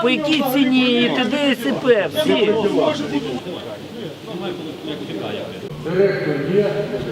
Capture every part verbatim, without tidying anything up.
по якій ціні, і т.д. і с.п. всі. Директор є?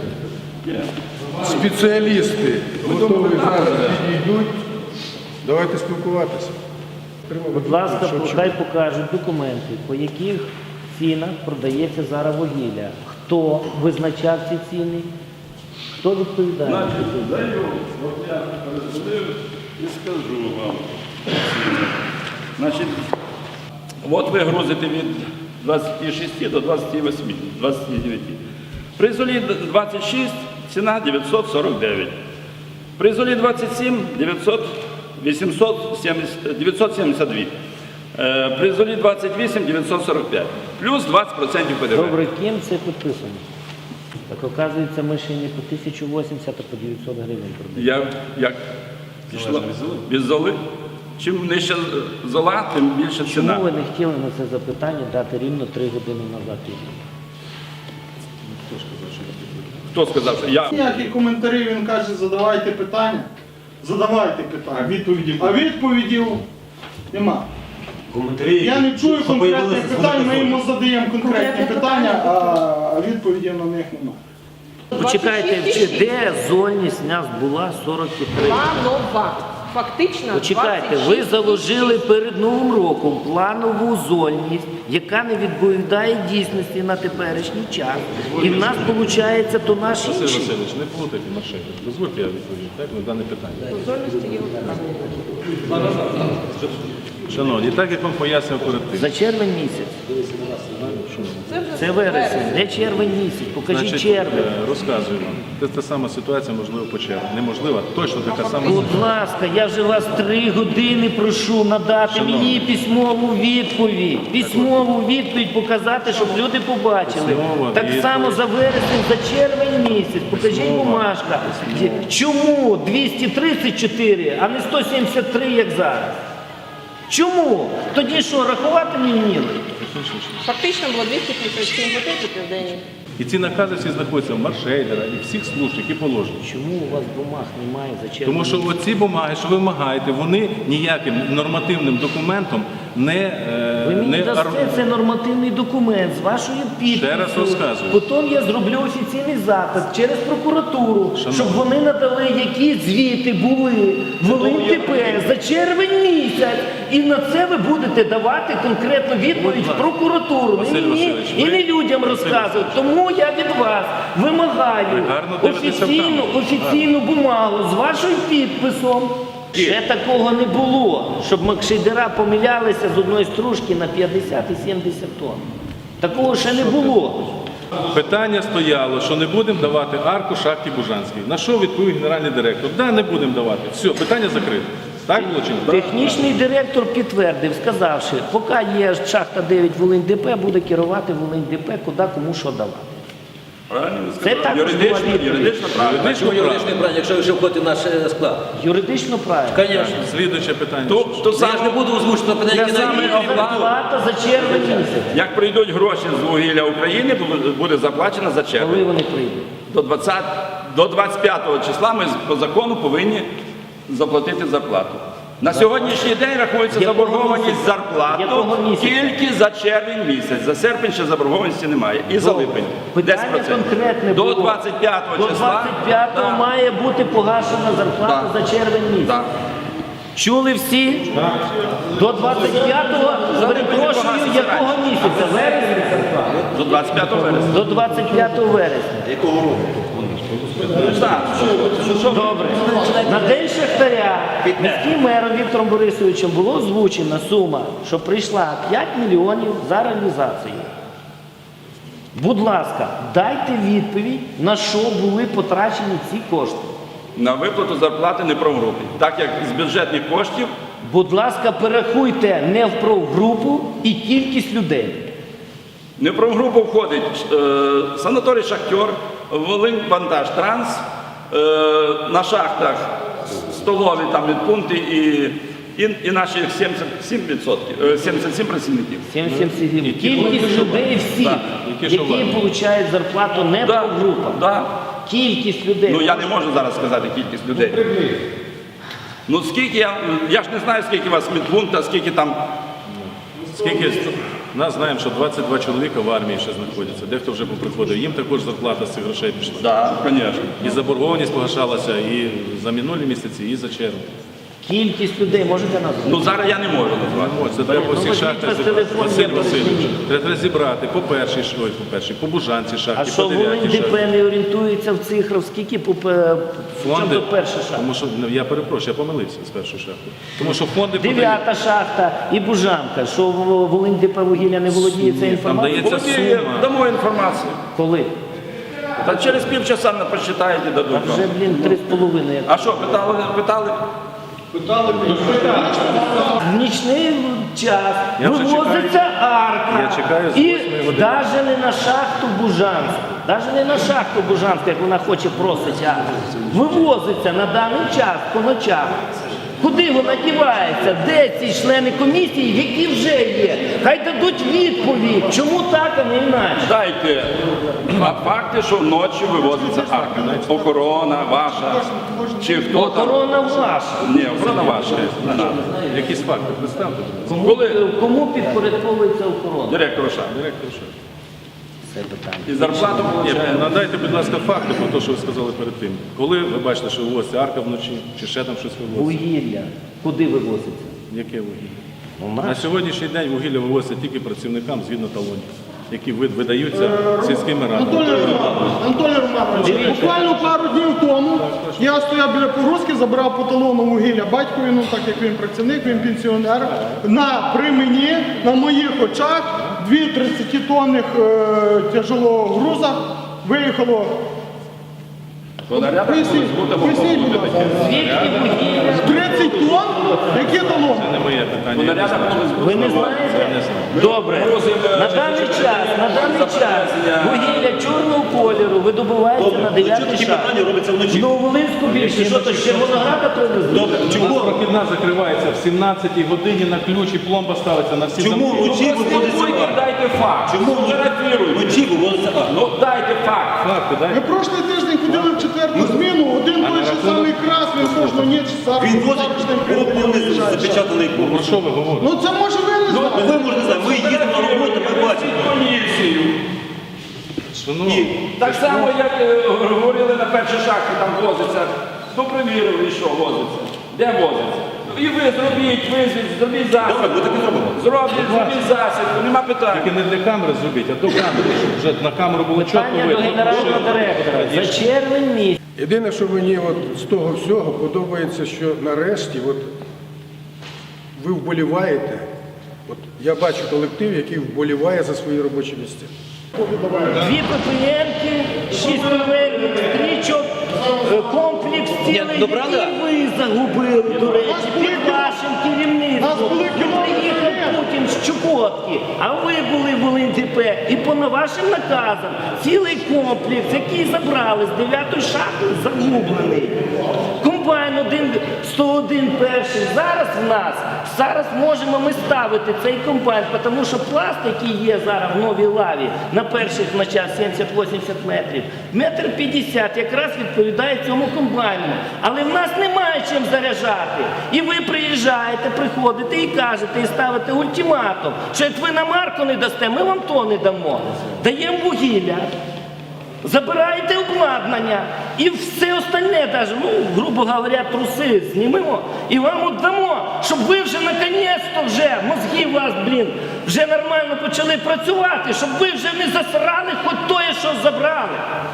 Спеціалісти готові зараз підійдуть. Давайте спілкуватися. Будь ласка, хай покажуть документи, по яких цінах продається зараз вугілля. Хто визначав ці ціни? Хто відповідає? От я перезвонив і скажу вам. Значить, от ви грузите від двадцяти шести до двадцяти восьми, двадцяти дев'яти. При золі двадцять шість ціна дев'ятсот сорок дев'ять. При золі двадцять сім дев'ятсот сімдесят два. Е, При золі двадцять вісім дев'ятсот сорок п'ять. Плюс двадцять відсотків ПДВ. Добре, ким це підписано? Так, оказується, ми ще не по тисячу вісімдесят, а по дев'ятсот гривень продаємо. Я, як? Пішло? Без золи? Чим нижче зола, тим більше ціна. Чому ви не хотіли на це запитання дати рівно три години назад? Хто сказав, що я? Ніякі коментарі, він каже, задавайте питання. Задавайте питання. А відповідів? А відповідів нема. Коментарі. Я не чую конкретних питань, ми йому задаємо конкретні питання, а відповідей на них немає. Почекайте, чи- де зольність нас була сорок три? Планова. Фактично Почекайте, двадцять ви шість. заложили перед Новим роком планову зольність, яка не відповідає дійсності на теперішній час. І в нас, виходить, то наші Василь інші. Васильович, не плутайте машини. Дозвольте, я відповім так, на дане питання. Зольності є однакові. Шановні, так як вам пояснив перед тим. За червень місяць. Це вже Це вересень. Де червень місяць? Покажіть Значить, червень. е, розказую вам. Це та сама ситуація, можливо, по червні. Неможлива, точно така сама Будь ситуація. ласка, я вже вас три години прошу надати Шановні. мені письмову відповідь. Письмову відповідь показати, щоб люди побачили. Письмова Так відповідь. само за вересень, за червень місяць. Покажіть Письмова. бумажка. Чому двісті тридцять чотири, а не сто сімдесят три, як зараз? Чому? Тоді що, рахувати не вміли? фактично було двісті п'ятдесят сім годин в день. І ці накази всі знаходяться в маршейдера і всіх служб, які положені. Чому у вас бумаг немає за червень? Тому що місяць? оці бумаги, що ви вимагаєте, вони ніяким нормативним документом не, е, Ви мені не дасте ар- це нормативний документ з вашою підписю. Ще раз розказую. Потім я зроблю офіційний запит через прокуратуру, Шановні. щоб вони надали, які звіти були в ЛНТП за червень місяць. І на це ви будете давати конкретну відповідь в прокуратуру. Василь Не мені Васильович, і ви- не людям розказувати. Тому я від вас вимагаю Ви гарно дивитеся в офіційну, камеру. офіційну бумагу з вашим підписом. Ще такого не було, щоб макшейдера помилялися з одної стружки на п'ятдесят і сімдесят тонн. Такого ще не було. Питання стояло, що не будемо давати арку шахті Бужанській. На що відповів генеральний директор? Да, не будемо давати. Все, питання закрите. Так було чи ні? Технічний директор підтвердив, сказавши, поки є шахта дев'ять Волинь-ДП, буде керувати Волинь-ДП, куди кому що давати. Правильно ви Це сказали? також Юридично, була відповідь. юридично правильно. Чому юридичний брань, якщо ви вже входите в наш е, склад? Юридично правильно. Звісно. Слідуюче питання. То, то Я ж не буду озвучувати питання, які саме навіть. оплата. Зарплата за червень місяць. Як прийдуть гроші з вугілля України, то буде заплачено за Коли червень. вони прийдуть? До двадцятого, до двадцять п'ятого числа ми по закону повинні заплатити зарплату. На сьогоднішній день рахується Якого заборгованість місяця? зарплату Якого місяця? тільки за червень місяць. За серпень ще заборгованості немає. І за липень. Питання десять відсотків. конкретне До було. двадцять п'ятого До числа. двадцять п'ятого Да. має бути погашена зарплата Да. за червень місяць. Да. Чули всі? До двадцять п'ятого, перепрошую, погасить якого місяця? Вересня зарплата? До двадцять п'ятого вересня. До двадцять п'ятого вересня. Так, що- що- Добре. На День Шахтаря міським мером Віктором Борисовичем було озвучена сума, що прийшла п'ять мільйонів за реалізацію. Будь ласка, дайте відповідь, на що були потрачені ці кошти. На виплату зарплати не профгрупи. Так як з бюджетних коштів Будь ласка, перерахуйте не в профгрупу і кількість людей. не в профгрупу входить е, санаторій «Шахтер», Волинь-Вантаж-Транс, е, на шахтах столові там відпункти і, і, і наші сімдесят сім відсотків, е, сімдесят сім працівників. сімдесят сім. Кількість людей всіх, Так, які що які варто. отримують зарплату не Да, профгрупа. да. Кількість людей. Ну я не можу зараз сказати кількість людей. Ну скільки я, я ж не знаю, скільки у вас медпунктів, скільки там Скільки нас знаємо, що двадцять два чоловіка в армії ще знаходяться, дехто вже поприходив. Їм також зарплата з цих грошей пішла. Так, звісно. І заборгованість погашалася і за минулі місяці, і за червень. Кількість людей можете назвати? Ну зараз я не можу назвати. Ось, це треба по всіх Ну, шахтах візьміть зібрати. телефон, Василь я Васильович, перезвоню. треба зібрати по першій, ш- ой, по першій, по Бужанці А шахті, що по Волинь дев'ятій шахті. ДП не орієнтується в цифрах, скільки по пе- Фонди, до першої шахти? тому що, ну, я перепрошую, я помилився з першої шахти. Тому що фонди подають, Дев'ята шахта і Бужанка. Що в- Волинь ДП вугілля не володіє цією там інформацією? дається Володіє, сума. дамо інформацію. Коли? Та через півчаса не прочитаєте, А дадуть вже, вам. блін, три з половиною. А що, питали? питали? В нічний час Я вже вивозиться арка. Я чекаю з і восьмої години. навіть не на шахту Бужанську, навіть не на шахту Бужанську, як вона хоче просить арку. Вивозиться на даний час по ночах. Куди вона дівається? Де ці члени комісії, які вже є? Хай дадуть відповідь, чому так, а не інакше. Дайте фа- факти, що вночі вивозиться арка. Охорона ваша. Чи хто там? Охорона ваша. Ні, охорона ваша. Не надо. Якісь факти, представте. Кому, Коли- кому підпорядковується охорона? Директор шахти. Директор шахти. Це питання. І зарплату Ні, получає. надайте, будь ласка, факти про те, що ви сказали перед тим. Коли ви бачите, що вивозиться арка вночі, чи ще там щось вивозиться? Вугілля. Куди вивозиться? Яке вугілля? Ну, На наше. сьогоднішній день вугілля вивозиться тільки працівникам згідно талонів, які ви- видаються сільськими радами. Анатолій Романович, Анатолій Романович, буквально пару днів тому я стояв біля погрузки, забрав по талону вугілля батькові, ну так як він працівник, він пенсіонер. На при мені, на моїх очах, дві тридцятитонних е, тяжелого груза виїхало. Понарядок Поясніть, будемо поясніть, будь бути ласка. таке. Звідки вугілля? тридцять тонн? Які талони? Це не моє питання. я не Понарядок знаю. буде Ви не Я знаєте? не знаю. Добре. На даний час, на даний час вугілля чорного кольору видобувається на дев'ятий такі шахті. питання робиться вночі? В Нововолинську більше, що то з Червонограда привезли? Добре, У нас чому? прохідна закривається в сімнадцятій годині на ключ і пломба ставиться на всі Чому замки. вночі виводиться Слідкуйте, арка? дайте факт. Чому Фотографіруйте. вночі виводиться арка? Ну дайте факт. Факти, Ми дай. прошлий тиждень ходили в четверту зміну, один той же самий крас, він кожну ніч зараз Він возить, повністю запечатаний Про повністю. що ви говорите? Ну це може ви не знаєте. Ви можете знати, ми їдемо на роботу, ми бачимо. Поліцію. Шановні, Так само, як е, говорили на першій шахті, там возиться. Ну, перевірили, що возиться. Де возиться? І ви зробіть, визвіть, зробіть Добре, засідку. ми так і зробимо. Зробіть, зробіть засідку, нема питань. тільки не для камери зробіть, а до камери, щоб вже на камеру було чітко Питання до видно. генерального директора. За червень місяць. Єдине, що мені от з того всього подобається, що нарешті от, ви вболіваєте. От, я бачу колектив, який вболіває за свої робочі місця. Дві ППНки, шість поверхів, стрічок, е, комплекс цілий, добрали? який ви загубили, до речі, під вашим керівництвом. Приїхав Путін з Чукотки, а ви були в ЛНДП. І по вашим наказам цілий комплекс, який забрали з дев'ятої шахти, загублений. Комбайн один, сто один перший. Зараз в нас, зараз можемо ми ставити цей комбайн, тому що пласт, який є зараз в новій лаві, на перших ночах сімдесят-вісімдесят метрів, метр п'ятдесят якраз відповідає цьому комбайну. Але в нас немає чим заряджати. І ви приїжджаєте, приходите і кажете, і ставите ультиматум, що як ви нам арку не дасте, ми вам то не дамо. Даємо вугілля. Забираєте обладнання і все остальне, даже, ну, грубо говоря, труси знімемо і вам віддамо, щоб ви вже наконець-то вже, мозги у вас, блін, вже нормально почали працювати, щоб ви вже не засрали хоч тоє, що забрали.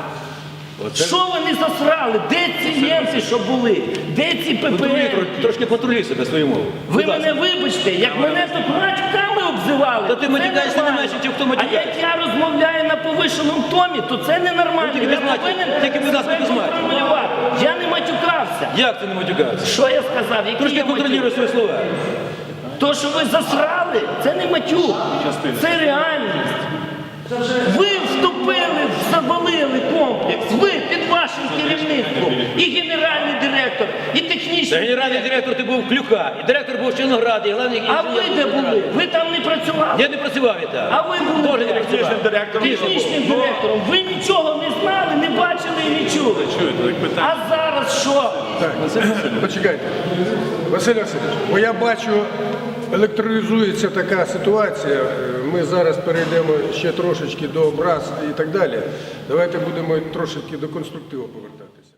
Що ви не засрали? Де ці німці, що були? Де ці ППН? Трошки патрулюй себе свою мову. Ви мене вибачте, як мене тут матьками обзивали. Та ти це матюкаєшся не нормально. менше, чим хто А матюкається. як я розмовляю на повишеному томі, то це ненормально. Ну, тільки Я без матів. повинен Тільки, будь ласка, себе без матів. контролювати. Я не матюкався. Як ти не матюкався? Що я сказав? Які Трошки я контролюй матюк? свої слова. То, що ви засрали, це не матюк. Це реальність. Ви вступили, завалили комплекс. Ви під вашим керівництвом. І генеральний директор, і Та технічний. генеральний директор ти був Клюка, і директор був Чернограді, і головний А ви де були? Ви там не працювали. Я не працював і там. А ви були Теж не працював. Технічним директором. технічним директором. Ви нічого не знали, не бачили і не чули. Чуєте, так питання. А зараз що? Так, почекайте. Василь Васильович, бо я бачу, електролізується така ситуація. Ми зараз перейдемо ще трошечки до образ і так далі. Давайте будемо трошечки до конструктиву повертатися.